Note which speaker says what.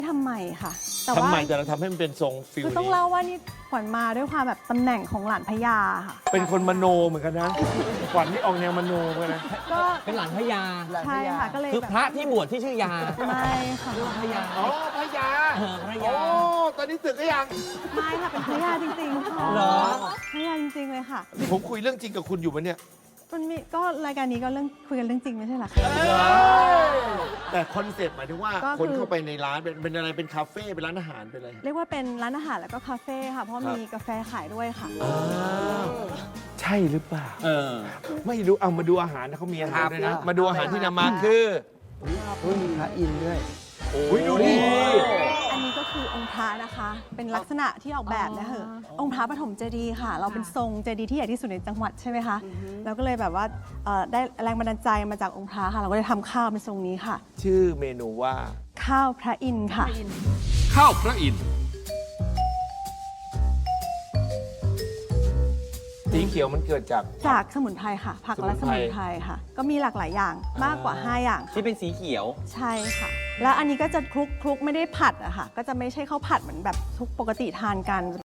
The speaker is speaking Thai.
Speaker 1: ทำใหม่ค่ะแต่
Speaker 2: ทำ
Speaker 1: ว่า
Speaker 2: ไมแต่เราทำให้มันเป็นทรงฟิล
Speaker 1: คือต้อง
Speaker 2: นี้
Speaker 1: เล่าว่านี่ขวัญมาด้วยความแบบตำแหน่งของหลานพญาค่ะ
Speaker 2: เป็นคนมโนเหมือนกันนะขวัญนี่ออกแนวมโนเหมือนกันนะ
Speaker 1: ก็
Speaker 3: เป็นหลานพญา
Speaker 1: ใช่ค่ะก็เลย
Speaker 3: คือ
Speaker 1: แบบ
Speaker 3: พระที่บวชที่ชื่อยา
Speaker 1: ไม่ค่ะ
Speaker 3: พญา
Speaker 2: อ๋อพญา
Speaker 3: พระ
Speaker 2: โอ้
Speaker 3: ยา
Speaker 2: ตอนนี้สึกก็ยัง
Speaker 1: ไม่ค่ะเป็นพญาจริงๆค่ะ
Speaker 3: เหรอ
Speaker 1: พญาจริงๆเลยค่ะ
Speaker 2: ผมคุยเรื่องจริงกับคุณอยู่มั้ยเนี่ย
Speaker 1: มันมีก็รายการนี้ก็เรื่องคุยกันเรื่องจริงไม่ใช่เหรอคะ
Speaker 2: แต่คอนเซ็ปต์หมายถึงว่า
Speaker 1: ก็คือ
Speaker 2: คนเข้าไปในร้านเป็นอะไรเป็นคาเฟ่เป็นร้านอาหารเป็นอะไร
Speaker 1: เรียกว่าเป็นร้านอาหารแล้วก็คาเฟ่ค่ะเพราะมีกาแฟขายด้วยค่ะ
Speaker 2: ใช่หรือเปล่า
Speaker 3: เออ
Speaker 2: ไม่รู้เอามาดูอาหารนะเขามีอาหารด้วยนะ มาดูอาหารที่นำมาคือ
Speaker 4: มีพระอินทร์ด้วย
Speaker 2: อุ้ยดูดิ
Speaker 1: อันนี้ก็คือองค์พระนะคะ เป็นลักษณะที่ออกแบบนะเหอะองค์พระปฐมเจดีย์ค่ะ เราเป็นทรงเจดีย์ที่ใหญ่ที่สุดในจังหวัดใช่ไหมคะเราก็เลยแบบว่าได้แรงบันดาลใจมาจากองค์พระค่ะ เราก็เลยทำข้าวเป็นทรงนี้ค่ะ
Speaker 2: ชื่อเมนูว่า
Speaker 1: ข้าวพระอินทร์ค่ะ
Speaker 5: ข้าวพระอินทร์
Speaker 2: สีเขียวมันเกิดจาก
Speaker 1: จากสมุนไพรค่ะ ผักและส
Speaker 2: สมุ
Speaker 1: มุ
Speaker 2: น
Speaker 1: น
Speaker 2: ไพ
Speaker 1: ไพ
Speaker 2: ร
Speaker 1: รค่ะ ก็มีหลากหลายอย่างมากกว่า 5 อย่างค่ะ
Speaker 3: ที่เป็นสีเขียว
Speaker 1: ใช่ค่ะ แล้วอันนี้ก็จะคลุกไม่ได้ผัดอะค่ะ ก็จะไม่ใช่ข้าวผัดเหมือนแบบทุกปกติทานกัน